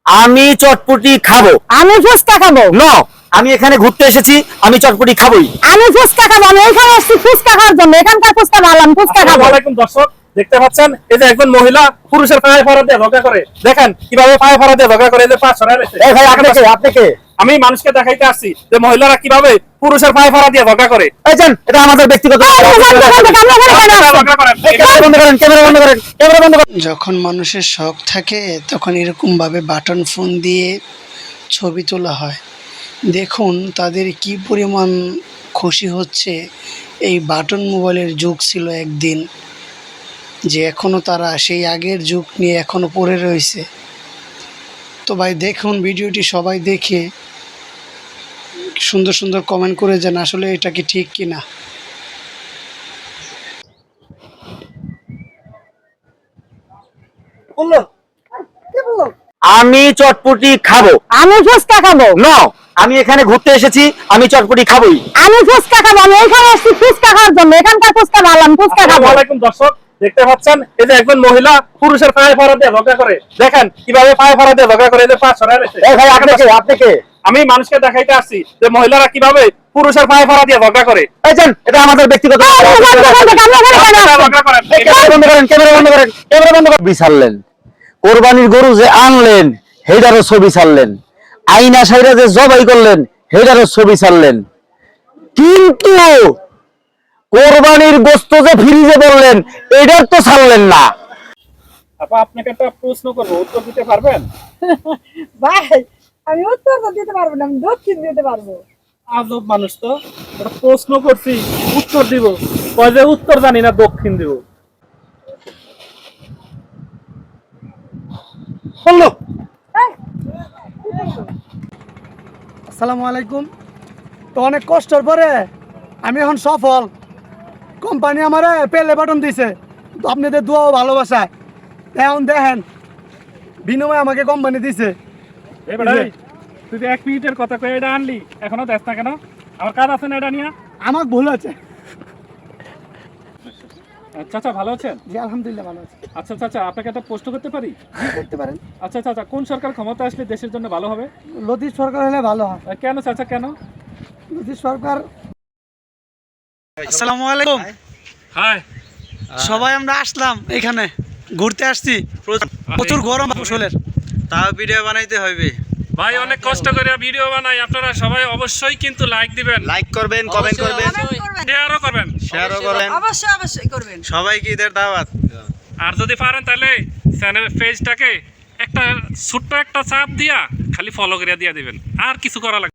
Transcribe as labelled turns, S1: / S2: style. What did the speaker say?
S1: আমি চটপটি খাবো।
S2: আমি ফুচকা খাবো।
S1: নো, আমি এখানে ঘুরতে এসেছি, আমি চটপটি খাবোই।
S2: আমি ফুচকা খাবো। আমি এখানে এসেছি ফুচকা খাওয়ার জন্য। এখানকার ফুচকা ভালো, আমি ফুচকা খাবো।
S3: আসসালামু আলাইকুম দর্শক, দেখতে পাচ্ছেন এই যে একজন মহিলা পুরুষের পায়ে ফাড়া দিয়ে ঝগড়া করে। দেখেন কিভাবে পায়ে ফাড়া দিয়ে ঝগড়া করে, এই যে পা ছড়ায় রয়েছে।
S1: এই ভাই, আপনি কে? আপনি কে?
S3: আমি মানুষকে দেখাইতে আসছি যে মহিলারা কিভাবে পুরুষের পায়ে ফাড়া দিয়ে ঝগড়া করে।
S1: এই যান, এটা আমাদের ব্যক্তিগত
S3: ঝগড়া করেন।
S1: ক্যামেরা বন্ধ করেন, ক্যামেরা বন্ধ করেন, ক্যামেরা বন্ধ করেন।
S4: যখন মানুষের শখ থাকে তখন এরকমভাবে বাটন ফোন দিয়ে ছবি তোলা হয়। দেখুন তাদের কি পরিমাণ খুশি হচ্ছে। এই বাটন মোবাইলের যুগ ছিল একদিন, যে এখনও তারা সেই আগের যুগ নিয়ে এখনও পড়ে রয়েছে। তো ভাই দেখুন ভিডিওটি সবাই দেখে সুন্দর সুন্দর কমেন্ট করে যান আসলে এটা কি ঠিক কিনা।
S1: আমি চটপটি খাবো।
S2: আমি ফুচকা খাবো।
S1: নো, আমি এখানে ঘুরতে এসেছি, আমি চটপটি খাবোই।
S2: আমি ফুচকা খাবো। আমি এখানে এসেছি ফুচকা খাওয়ার জন্য। এখানকার ফুচকা ভালো, আমি ফুচকা খাবো।
S3: আসসালামু আলাইকুম দর্শক, দেখতে পাচ্ছেন এই যে একজন মহিলা পুরুষের পায়ে ফাড়া দিয়ে ঝগড়া করে। দেখেন কিভাবে পায়ে ফাড়া দিয়ে ঝগড়া করে, এই যে পা ছড়ায় রয়েছে।
S1: এই ভাই, আপনি কে? আপনি কে?
S3: আমি মানুষকে দেখাইতে আসছি যে মহিলারা কিভাবে পুরুষের পায়ে ফাড়া দিয়ে ঝগড়া করে।
S1: এই যান, এটা আমাদের ব্যক্তিগত
S3: ঝগড়া করেন।
S1: ক্যামেরা বন্ধ করেন, ক্যামেরা বন্ধ করেন, ক্যামেরা বন্ধ করেন। ছবি ছাড়লেন, কোরবানির গরু যে আনলেন হেডারও ছবি ছাড়লেন, আইনা সাইরা যে জবাই করলেন হেডারও ছবি ছাড়লেন, কিন্তু কোরবানির গোস্ত যে ফ্রিজে বললেন এটার তো ছাড়লেন না।
S3: আপা, আপনাকে একটা প্রশ্ন করবো, উত্তর দিতে পারবেন?
S2: ভাই, আমি উত্তর তো দিতে পারবো না, আমি দক্ষিণ দিতে পারবো।
S3: আজব মানুষ তো, একটা প্রশ্ন করছি উত্তর দিব, কয় যে উত্তর জানি না, দক্ষিণ দিব।
S1: বললো
S4: আসসালামু আলাইকুম। তো অনেক কষ্টের পরে আমি এখন সফল। কোম্পানি আমারে পেলে বাটন দিছে, তো আপনাদের দোয়া ও ভালোবাসা এখন দেখেন বিনিময়ে আমাকে কোম্পানি দিছে।
S3: তুই যে 1 মিনিটের কথা কয়ে এটা আনলি, এখনো দেখ না কেন? আমার কাজ আছে না এটা নিয়ে?
S4: আমার ভুল আছে।
S3: চাচা ভালো আছেন?
S4: জি আলহামদুলিল্লাহ ভালো আছে।
S3: আচ্ছা চাচা, আপনাকে একটা প্রশ্ন করতে পারি?
S4: করতে পারেন।
S3: আচ্ছা চাচা, কোন সরকার ক্ষমতা আসলে দেশের জন্য ভালো হবে?
S4: লতিফ সরকার হলে ভালো হয়।
S3: কেন চাচা, কেন?
S4: লতিফ সরকার। আসসালামু আলাইকুম।
S3: হাই।
S4: সবাই আমরা আসলাম এখানে ঘুরতে আসছি, প্রচুর গরম আসলে,
S5: তাও ভিডিও বানাইতে হবে
S3: ভাই, অনেক কষ্ট করে ভিডিও বানাই। আপনারা সবাই অবশ্যই কিন্তু লাইক দিবেন,
S5: লাইক করবেন, কমেন্ট করবেন,
S3: শেয়ারও করবেন।
S5: শেয়ারও করবেন,
S2: অবশ্যই করবেন।
S5: সবাইকে ঈদের দাওয়াত।
S3: আর যদি পারেন তাহলে চ্যানেল পেজটাকে একটা ছোট্ট একটা চাপ দিয়া খালি ফলো করে দিয়ে দিবেন, আর কিছু করা লাগবে।